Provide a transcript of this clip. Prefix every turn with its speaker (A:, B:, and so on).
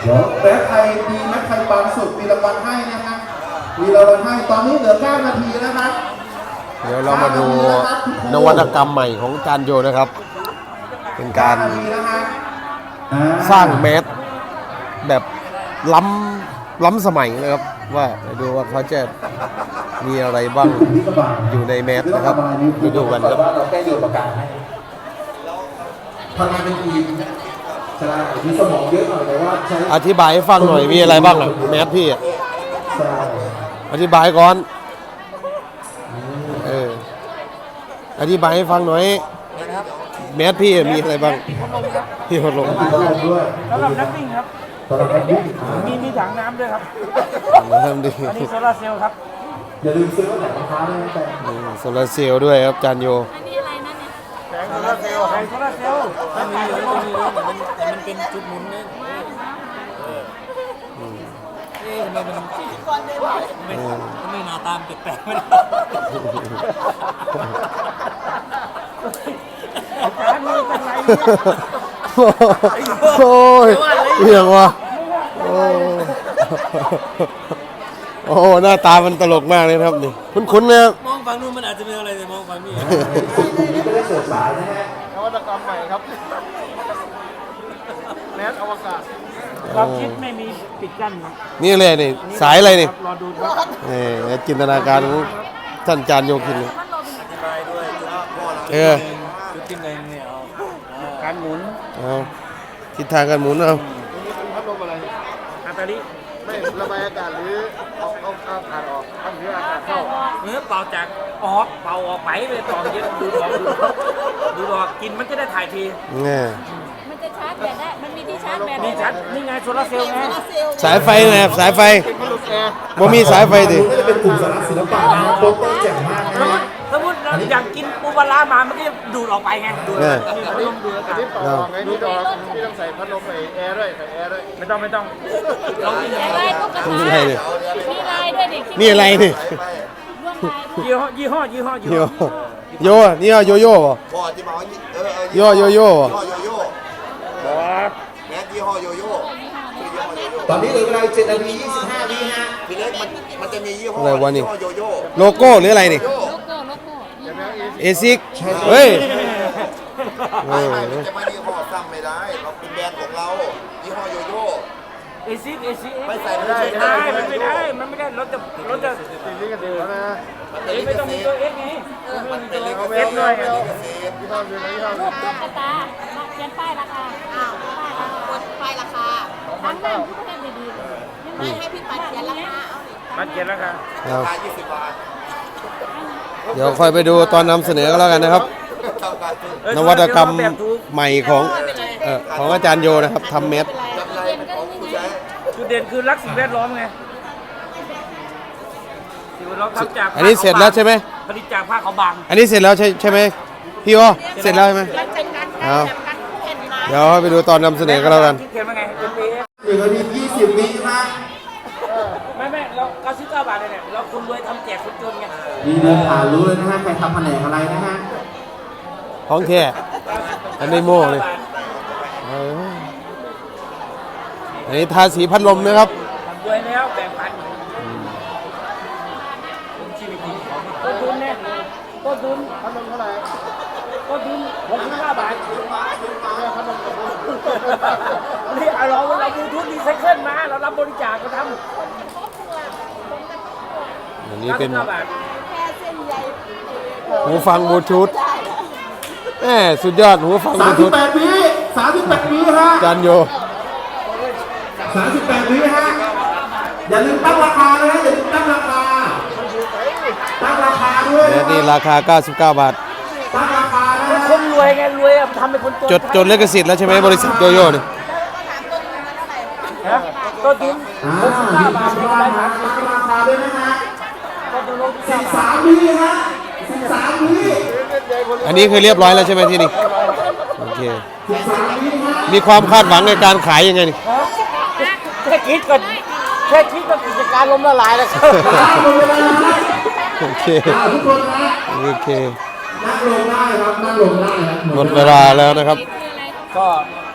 A: เดี๋ยวแม้ใครดีแม้ใครบางสุดมีรางวัลให้นะครับมีรางวัลให้ตอนนี้เหลือ9 นาทีนะครับ
B: เดี๋ยวเรามาดูนวัตกรรมใหม่ของจานโยนะครับเป็นการสร้างแมสแบบล้ำสมัยนะครับว่าดูว่าเขาจะมีอะไรบ้างอยู่ในแมสนะครับดูกันครับ
A: เราแค่โยนปากกาให้ทำงานเป็นทีมใช่มีสมองเยอะหน่อยแต่ว่าใช้
B: อธิบายให้ฟังหน่อยมีอะไรบ้างอ่ะแมสพี่อ่ะอธิบายก่อนอธิบายให้ฟังหน่อยแมสพี่มีอะไรบ้างพี่พัดลม
A: ด้วย
C: สำหรับนักวิ่งครับ
A: สำหรับนักวิ่ง
C: มีถังน้ำด้วยครับ
B: ทำดี
C: อันนี้โซลาร์เซลล์ครับ
A: อย่าลืมซื้อแผงรองเท้าด้วยนะแต่
B: โซลาร์เซลล์ด้วยครับจานโย
D: อันนี้อะไรนั่นเนี่ย
C: แผงโซลาร์เซลล์มันมีอยู่ตรงนี้แต่มันเป็นจุดหมุนเนี่ยทำไมมันไม่หน้าตามแปลกๆไม่ได้อาจารย์นี่เป็นไรเนี่ย
B: โอ้ยเหี้ยว่ะโอ้หน้าตามันตลกมากเลยครับนี่คุ้นๆนะครับ
C: มองฝั่งนู้นมันอาจจะเป็นอะไรแต่มองฝั่งนี้
A: ไม่ได้เสิร์ฟสายนะฮะ
C: นวัตกรรมใหม่ครับแมสอวกาศความคิดไม่มีปิดกั้นครับ
B: นี่เลยนี่สายอะไรนี่
C: รอดูครับ
B: นี่จินตนาการของท่านจานโยคินเลย
C: อธิบายด้วยจุดที่หนึ่งเนี่ยการหมุน
B: ทิศทางการหมุนเอา
C: พัดลมอะไรอาตาลิไม่ระบายอากาศหรือเอาอากาศออกทำให้อากาศเข้าเป่าจากออกเป่าออกไปเลยต่อเย็นดูดอกกินมันจะได้ถ่ายที
D: มันจะชาร์จแบตได้มันมีที่ชาร์จแบต
C: นี่ชัดนี่ไงโซลาร์เซลล์ไง
B: สายไฟไงสายไฟบ่มีสายไฟดิ
A: จะเป็นกลุ่มสารศิลปะนะโปสเตอร์แจ่มมากนะ
C: สมมติอยากกินปูปลามามันก็จะดูดออกไปไงดูพัดลมดูอากาศต่อไงนี่ต้องใส่พัดลมใส่แอร์ด้วยใส่แอร์ด้วยไม่ต้อง
D: เรามีอะไรก็กระจายมีลายด้วยดิ
B: นี่อะไรนี่
C: ยี่ห้อ
B: โยนี่โยโย่ป่ะโยโย่
E: แมสยี่ห้อโยโย่
A: ตอนนี้เหลือเวลา7 นาที 25 วิฮะ
E: พี่เล็กมันจะมียี่ห้อโยโย่
B: โลโก้หรืออะไรนี่
D: โลโก้
B: เอซิกเฮ้ย
E: ไม่จะมายี่ห้อซ้ำไม่ได้เราเป็นแบรนด์ของเรายี่ห้อโยโย่
C: เอซิก
E: ไม่ใส่ไม่
C: ได้มันไม่ได้รถจะตีกันเดียวนะไม่ต้องมีตัวเอสไง
E: มันเป็นเลขเซฟ
C: ด้วย
D: รูปกระตาเขียนป้ายราคากดป้ายราคาทั้งนั้นทุกประเทศดีๆไม่ให้พี่ปัดเขียนราคา
C: ปัดเขียนราคา
E: 20 บาท
B: เดี๋ยวค่อยไปดูตอนนำเสนอกันแล้วกันนะครับนวัตกรรมใหม่ของอาจารย์โยนะครับทำเม็ด
C: จุดเด่นคือรักสิ่งแวดล้อมไง
B: อันนี้เสร็จแล้วใช่ไหม
C: ผลิตจากผ้าขาวบาง
B: อันนี้เสร็จแล้วใช่ไหมพี่โอเสร็จแล้วใช่ไหมเดี๋ยวไปดูตอนนำเสนอกันแล้วกัน
C: เขียนว่าไง
A: 1 นาที 20 วิฮะ
C: ไม่เรา99 บาทเนี่ยเราคุณรวยทำแจกคนจนไง
A: มีเดินผ่านรู้เลยนะฮะใครทำแผนกอะไรนะฮะ
B: ของแท้อันนี้โม่เลยอันนี้ทาสีพัดลมนะครับ
C: รวยแล้วแบ่งปันต้นทุนเนี่ยต้นทุนพัดลมเท่าไหร่ต้นทุน65 บาทพัดลมนี่เราดูทุนรีไซเคิลมาเรารับบริจาคก็ทำ
B: อันนี้เป็นหูฟังบลูทูธสุดยอดหูฟังบลูทูธ
A: 38 วิฮะ
B: จานโย
A: 38 วิฮะอย่าลืมตั้งราคานะอย่าลืมตั้งราคาด้วย
B: นี่ราคา99 บาท
A: ตั้งราคานะ
C: คนรวยไงรวยทำเป็นคน
B: จดลิขสิทธิ์แล้วใช่ไหมบริษัทโยโย่เนี่ย
C: ต้นทุน65 บาท
A: ราคาด้วยนะฮะ13 วิฮะ13 วิ
B: อันนี้คือเรียบร้อยแล้วใช่ไหมที่นี่โอเคมีความคาดหวังในการขายยังไงนี่
C: แค่คิดก็กิจการล้มละลายแล้วครับ
B: โอเค
A: นั่งลงได้ครับนั่งลงได้ครับ
B: หมดเวลาแล้วนะครับ
C: ก็